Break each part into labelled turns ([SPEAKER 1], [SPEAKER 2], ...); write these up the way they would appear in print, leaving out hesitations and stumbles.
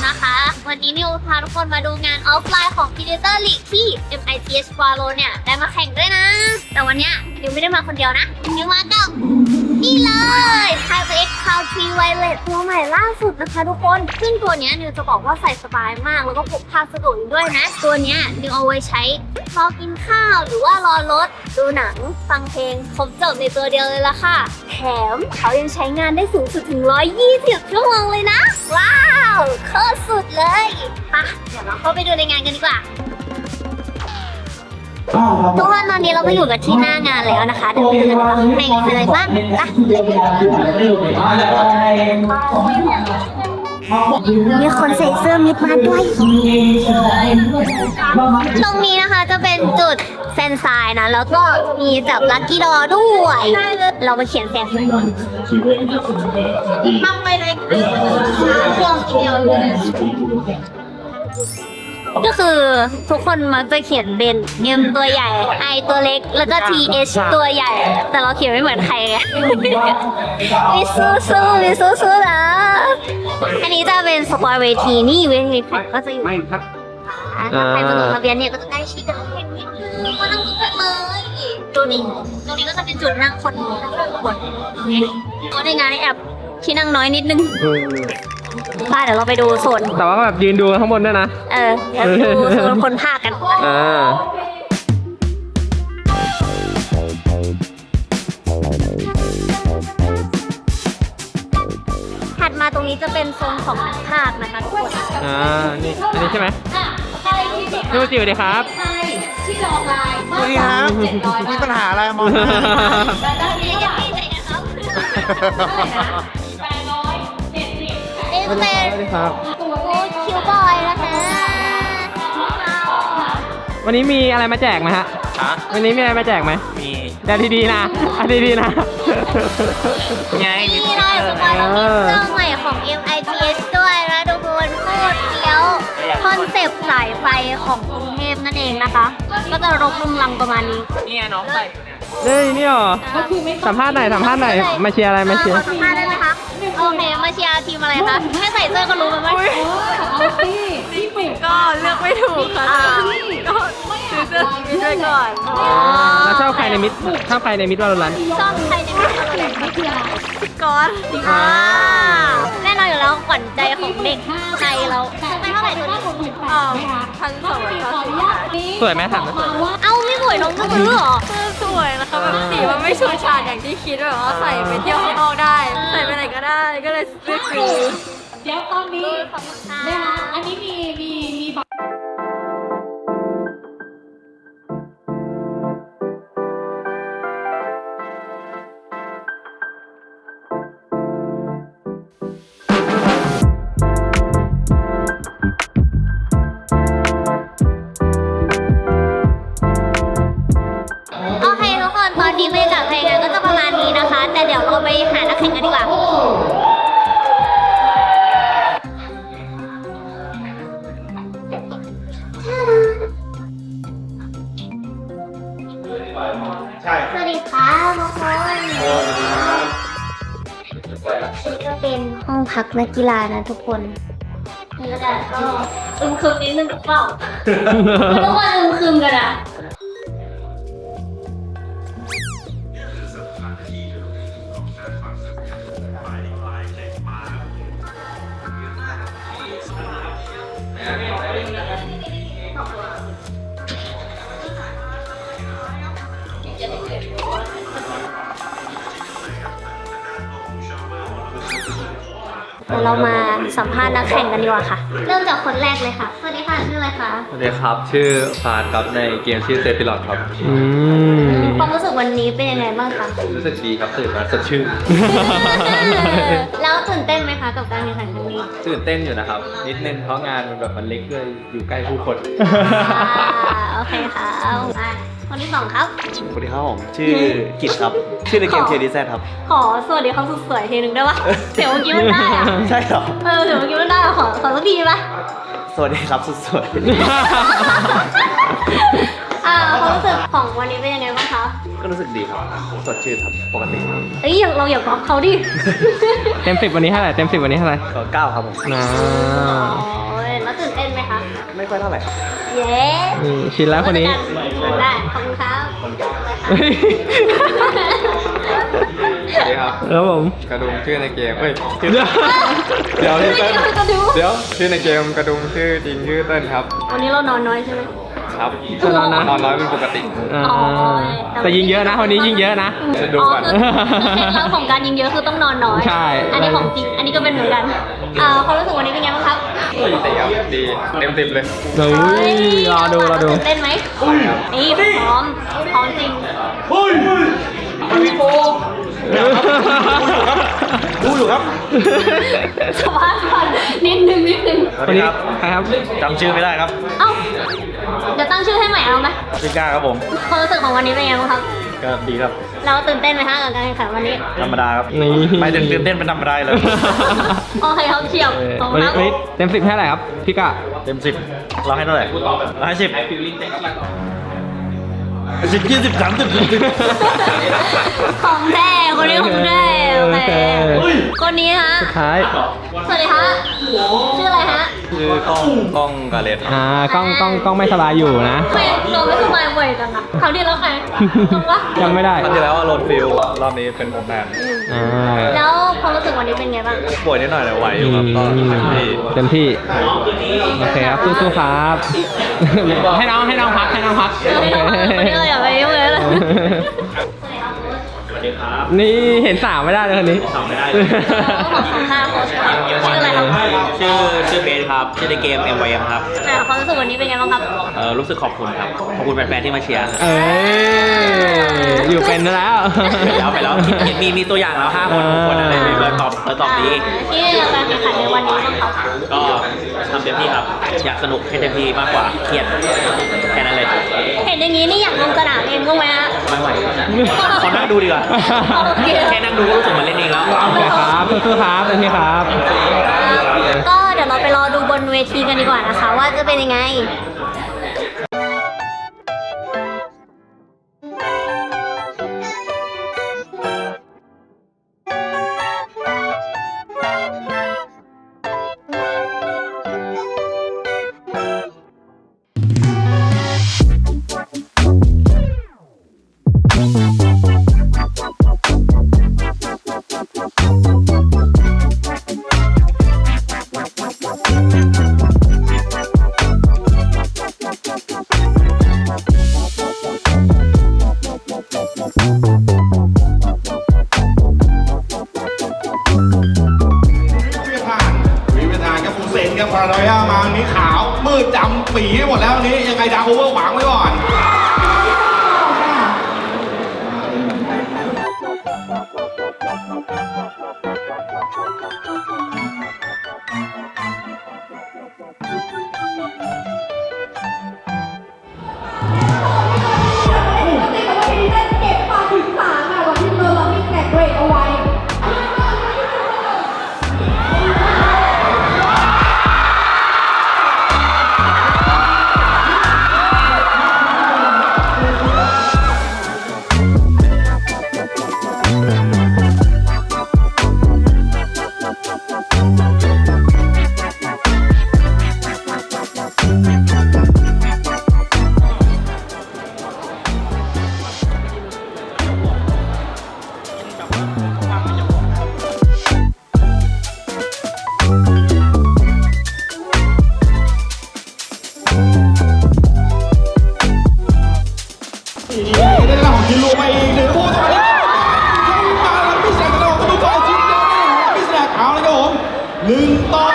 [SPEAKER 1] นะคะ วันนี้นิวพาทุกคนมาดูงานออฟไลน์ของ Predator League ที่ MITH Valorant เนี่ยได้มาแข่งด้วยนะ แต่วันเนี้ยนิวไม่ได้มาคนเดียวนะนิวมากับนี่เลย Type-X Country Violet ตัวใหม่ล่าสุดนะคะทุกคน ซึ่งตัวเนี้ยนิวจะบอกว่าใส่สบายมากแล้วก็พกพาสะดวกด้วยนะ ตัวเนี้ยนิวเอาไว้ใช้รอกินข้าวหรือว่ารอรถดูหนังฟังเพลงครบจบในตัวเดียวเลยล่ะค่ะแถมเขายังใช้งานได้สูงสุดถึง120 ชั่วโมงเลยนะ ว้าวโคตรสุดเลยไปเดี๋ยวเราเข้าไปดูในงานกันดีกว่าทุกคนตอนนี้เราก็อยู่กันที่หน้างานแล้วนะคะเดี๋ยวไปดูกันว่าข้างในมีอะไรบ้างมีคนใส่เสื้อมิดมาด้วยตรงนี้นะคะจะเป็นจุดแซนไซน์นะแล้วก็มีจับลัคกี้ดอด้วยเราไปเขียนแซนทำไปเลยเครื่องเดียวก็คือทุกคนมักจะเขียนเป็น M ตัวใหญ่ I ตัวเล็กแล้วก็ TH ตัวใหญ่ แต่เราเขียนไม่เหมือนใครไงวิสู้นะอันนี้จะเป็นสปอยเวทีนี่เวทีแข่งก็จะอยู่ถ้าใครมาลงทะเบียนเนี่ยก็จะได้ชี้กันแข่งนิดนึงมานั่งกันเลยตรงนี้ก็จะเป็นจุดนั่งคนก็ในงานในแอปที่นั่งน้อยนิดนึงเดี๋ยวเราไปดูโซน
[SPEAKER 2] แต่ว่าแบบยืนดูข้างบนด้วยนะ
[SPEAKER 1] เดี๋ยวดูโซนคนภาคกันถัดมาตรงนี้จะเป็นโซนของนักภาคนะคะทุกคน
[SPEAKER 2] นี่อันนี้ใช่ไหมดูจิ๋วดีครับ
[SPEAKER 3] ที่รอไลน์สวัสดีครับมีปัญหาอะไรมอง
[SPEAKER 1] เป็นครับคิวบอยนะคะ
[SPEAKER 2] วันนี้มีอะไรมาแจกไหมฮะวันนี้มีอะไรมาแจกไหมมีแต่ดีๆนะดีๆนะ
[SPEAKER 1] นี่เราจะมาลองเครื่องใหม่ของ MITH ด้วยนะทุกคนโคตรเฟี้ยวคอนเซปต์สายไฟของกรุงเทพนั่นเองนะคะก็จะรกรุงรังประมาณนี้
[SPEAKER 2] นี่น้องใส่นี่หรอสัมภาษณ์หน่อยมาเชียร์อะไรมาเชียร์
[SPEAKER 1] สัมภาษณ์ได้ไหมคะโอเคมาเชียร์ทีมอะไรคะแค่ใส่เสื้อก็รู้แล้วมั้ย
[SPEAKER 4] ก็เลือกไม่ถูกค่ะก็ซื้อเสื้อทีมด้วยก่อน
[SPEAKER 2] แล้วชอบใครในมิดวาโลรัน
[SPEAKER 1] ชอบใครในมิดวาโลรัน
[SPEAKER 4] พี่ก๊อต
[SPEAKER 1] แน่นอนอยู่แล้วขวัญใจของเด็กไทยเราไม่เท่าไหร่ตัวนี้
[SPEAKER 4] 1,240
[SPEAKER 2] สวยไหมถาม
[SPEAKER 1] เอ้าไม่สวยน้องก็ซื้อหรอ
[SPEAKER 4] สวยนะคะแบบสีมันไม่ชูชาดอย่างที่คิดแบบว่าใส่ไปเที่ยวข้างนอกได้ใส่ไปไหนก็ได้ก็เลยเลือกซื้อ
[SPEAKER 3] เดี๋ยวตอนนี้นะคะอันนี้มี
[SPEAKER 1] โอเคทุกคนตอนนี้บรรยากาศภายในงานก็จะประมาณนี้นะคะแต่เดี๋ยวเราไปหานักแข่งกันดีกว่าสวัสดีค่ะทุกคนนี่ก็เป็นห้องพักนักกีฬานะทุกคนบรรยากาศก็อึมครึมนิดนึงกับเปล่าทุกคนอึมครึมกันอะเดี๋ยวเรามาสัมภาษณ์นักแข่งกันดีกว่าค่ะเริ่มจากคนแรกเลยค่ะสวัสดีค่ะชื่ออะไรคะ
[SPEAKER 5] สวัสดีครับชื่อฟาดครับในเกมชื่อเซฟิลอดครับ
[SPEAKER 1] ความรู้สึกวันนี้เป็นยังไงบ้างคะ
[SPEAKER 5] รู้สึกดีครับตื่นมาสดชื่น
[SPEAKER 1] แล้วตื่นเต้นไหมคะกับการแข่งขันครั้งนี้
[SPEAKER 5] ตื่นเต้นอยู่นะครับนิดนึงเพราะงานมันแบบมันเล็กด้วยอยู่ใกล้ผู้คน
[SPEAKER 1] โอเคค่ะคนที่สองครับ
[SPEAKER 6] สวัสดีครับผมชื่อกิตครับชื่อในเกม KDZ ครับ
[SPEAKER 1] ขอสวัสดีเขาสุดสวยทีนึงได้ปะเสียงเมื่อกี้มันได้อะ
[SPEAKER 6] ใช่หรอ
[SPEAKER 1] เสียงเมื่อกี้มันได้ขอสักทีปะ
[SPEAKER 6] สวัสดีครับสุดสวย
[SPEAKER 1] ความรู้สึกของวันนี้เป็นยังไงบ้างคะ
[SPEAKER 6] ก็รู้สึกดีครับ สดชื่นครับ ปกติ
[SPEAKER 1] เอ้ยเราอย่าก๊อปเขาดิ
[SPEAKER 2] เต็ม 10วันนี้เท่าไหร่เต็ม 10วันนี้เท่าไหร่
[SPEAKER 6] ก็9ครับผม
[SPEAKER 2] นะ
[SPEAKER 1] โอ้ยแล้วตื่นเต้นไหมคะ
[SPEAKER 6] ไม่ค่อยเท่าไหร่ครับ
[SPEAKER 1] เย้
[SPEAKER 2] นี่ชินแล้วคนนี้
[SPEAKER 1] ได้ขอบคุณครับ
[SPEAKER 2] เฮ้ย
[SPEAKER 5] สวัสดีครับ
[SPEAKER 2] ครับผม
[SPEAKER 5] กระดุมชื่อในเกมเฮ้ยชื่อเดี๋ยวพี่เติ้ลเดี๋ยวชื่อในเกมกระดุมชื่อจริงชื่อเติ้ลครับ
[SPEAKER 1] วันนี้เรานอนน้อยใช่ไหม
[SPEAKER 5] ครับ
[SPEAKER 2] จะนอนนะ
[SPEAKER 5] นอนน้อยเป็นปกติ
[SPEAKER 2] อ่าแต่ยิงเยอะนะวันนี้ยิงเยอะนะ
[SPEAKER 5] จะดูก่อน
[SPEAKER 1] คือเคล็ดลับของการยิงเยอะคือต้องนอนน้อย
[SPEAKER 2] ใช่
[SPEAKER 1] อันนี้ของจริง อันนี้ก็เป็นเหมือนกันความรู้สึกวันนี้เป็นไงบ้างครับ
[SPEAKER 5] ปกติครับดีเต็ม10เลย
[SPEAKER 2] เฮ้ยรอดู
[SPEAKER 1] ตื่นเต้นไหมนี่พร้อมจริง
[SPEAKER 6] ดูอยู่ครับ
[SPEAKER 1] สบายก่อนนิดนึง
[SPEAKER 6] สวัสดีครับ
[SPEAKER 2] ใครครับ
[SPEAKER 6] จำชื่อไม่ได้ครับ
[SPEAKER 1] เอ้า เดี๋ยวตั้งชื่อให้ใหม่เอาไหม
[SPEAKER 6] ชื่อกล้าครับผม
[SPEAKER 1] ความรู้สึกของวันนี้เป็นไงบ้างครับ
[SPEAKER 6] ก็ดีครับ
[SPEAKER 1] เราตื่นเต้นไหมฮะกับการแข่งขันวันนี้
[SPEAKER 6] ธรรมดาครับ
[SPEAKER 2] นี่
[SPEAKER 6] ไม่ถึงตื่นเต้นเป็นธรรมดาเลย
[SPEAKER 1] โอเคครับเฉียบ
[SPEAKER 2] เออ
[SPEAKER 1] ขอบคุ
[SPEAKER 2] วัน
[SPEAKER 1] ณ
[SPEAKER 2] นี้
[SPEAKER 1] ครับ
[SPEAKER 2] วันนี้เต็ม 10เท่าไหร่ครับพี่กะ
[SPEAKER 6] เต็ม10เราให้เท่าไหร่เราให้10 10 20 30
[SPEAKER 1] ของแท้คนนี้ของแท้โอเคคนนี้ฮะ
[SPEAKER 2] สุดท้าย
[SPEAKER 1] สวัสดีฮะชื่ออะไรฮะ
[SPEAKER 5] ชื่อกล้องกาเลสครับ
[SPEAKER 2] กล้องไม่สบายอยู่นะ
[SPEAKER 1] ทำไมเราไม่สบายบ่อยจังอะคราวที่แล้วใครจำปะ
[SPEAKER 2] จำไม่ได้
[SPEAKER 5] ครั้งที่แล้วว่าโรนฟิลรอบนี้เป็นผมแทน
[SPEAKER 2] อ่า
[SPEAKER 1] แล้วความรู้สึกวันนี้เป็นไงบ้าง
[SPEAKER 5] ป่วยนิดหน่อยแต่ไหวอยู่ครับก็เต็มที่
[SPEAKER 2] เต็มที่โอเคครับสู้ๆครับ ให้น้องพักโอเค
[SPEAKER 1] วันนี้เราอย่าไปยุ่งเลยเลย
[SPEAKER 2] นี่เห็นสาวไม่ได้เลยคนนี้
[SPEAKER 1] ขอคำหน้าโค้ชก่อนชื่ออะไรครับ
[SPEAKER 6] ชื่อเบสครับ ชื่อในเกม MYM ครับ
[SPEAKER 1] ความรู้สึกวันนี้เป็นไงบ้างครับ
[SPEAKER 6] รู้สึกขอบคุณครับ ขอบคุณแฟนๆที่มาเชียร์
[SPEAKER 2] เอ้ยอยู่เป็นแล้ว
[SPEAKER 6] ไปแล้วมีตัวอย่างแล้ว5 คน6 คนอะไรเลยตอบดี
[SPEAKER 1] ที่การแข่งขันในวันนี้บ้างครับ
[SPEAKER 6] ก็ทำเต็มที่ครับ อยากสนุกให้เต็มที่มากกว่าเครียดแค่นั้นเลย
[SPEAKER 1] เห็นอย่างนี้นี่อยากลงสนามเองบ้างไหมฮะ
[SPEAKER 6] ไม่ไหวขอนั่งดูดีกว่า
[SPEAKER 1] โอเค
[SPEAKER 6] แค่นั่งดูก็รู้สึกเหมือนเล่นเองแล้ว
[SPEAKER 2] โอเคครับสู้ๆครับเต็มที่ครับ
[SPEAKER 1] ก็เดี๋ยวเราไปรอดูบนเวทีกันดีกว่านะคะ ว่าจะเป็นยังไง
[SPEAKER 7] วิเวทานกับฟูเซนกับพารานอยามานี้ขาวมืดดำปีให้หมดแล้วนี้ยังไงดาวโอเวอร์หวังไว้ก่อน ได้เรื่องของคินลูมาอีกหนึ่งผู้ต่อไปมาแล้วพี่แซกกระโดดกระดูกต่อชิ้นเดียวพี่แซกเอาเลยครับผม1 ต่อ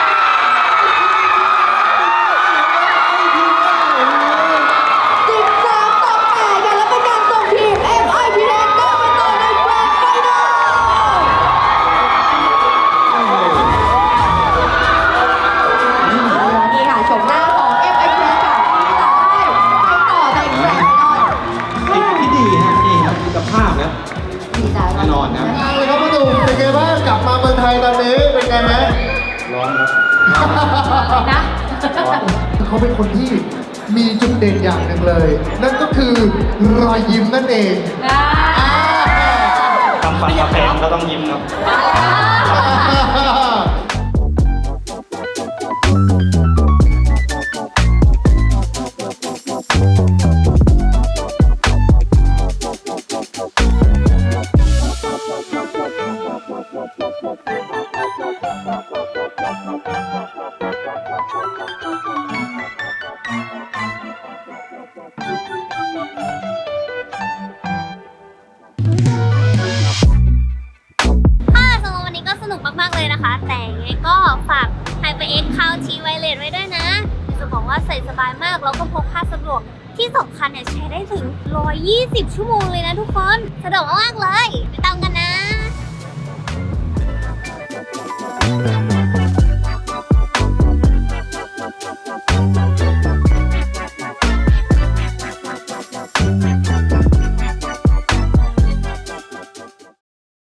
[SPEAKER 4] นี่ค่ะชมหน้าของ FIP ค่ะที่จะให้ไปต่อในแบรนด์ไอดอล
[SPEAKER 7] ที่ดีฮะนี่ครับกับภาพนะ
[SPEAKER 4] ดีใจ
[SPEAKER 7] แน่นอนครับ
[SPEAKER 3] เลยครับพี่ตูนเป็นไงบ้างกลับมาเมืองไทยตอนนี้เป็นไงไหม
[SPEAKER 7] ร้อนครับ
[SPEAKER 4] นะ
[SPEAKER 3] เขาเป็นคนที่
[SPEAKER 7] มีจุดเด่นอย่างหนึ่งเลย นั่นก็คือรอยยิ้มนั่นเอง
[SPEAKER 6] ทำฟันมาแพงก็ต้องยิ้มครับ
[SPEAKER 1] ค่ะสำหรับวันนี้ก็สนุกมากๆเลยนะคะ แต่ยังไงก็ฝาก HyperX Couch T Wireless ไว้ด้วยนะจะบอกว่าใส่สบายมากแล้วก็พกพาสะดวกที่สำคัญเนี่ยใช้ได้ถึง120 ชั่วโมงเลยนะทุกคนสะดวกมากๆเลยไปตามกันนะ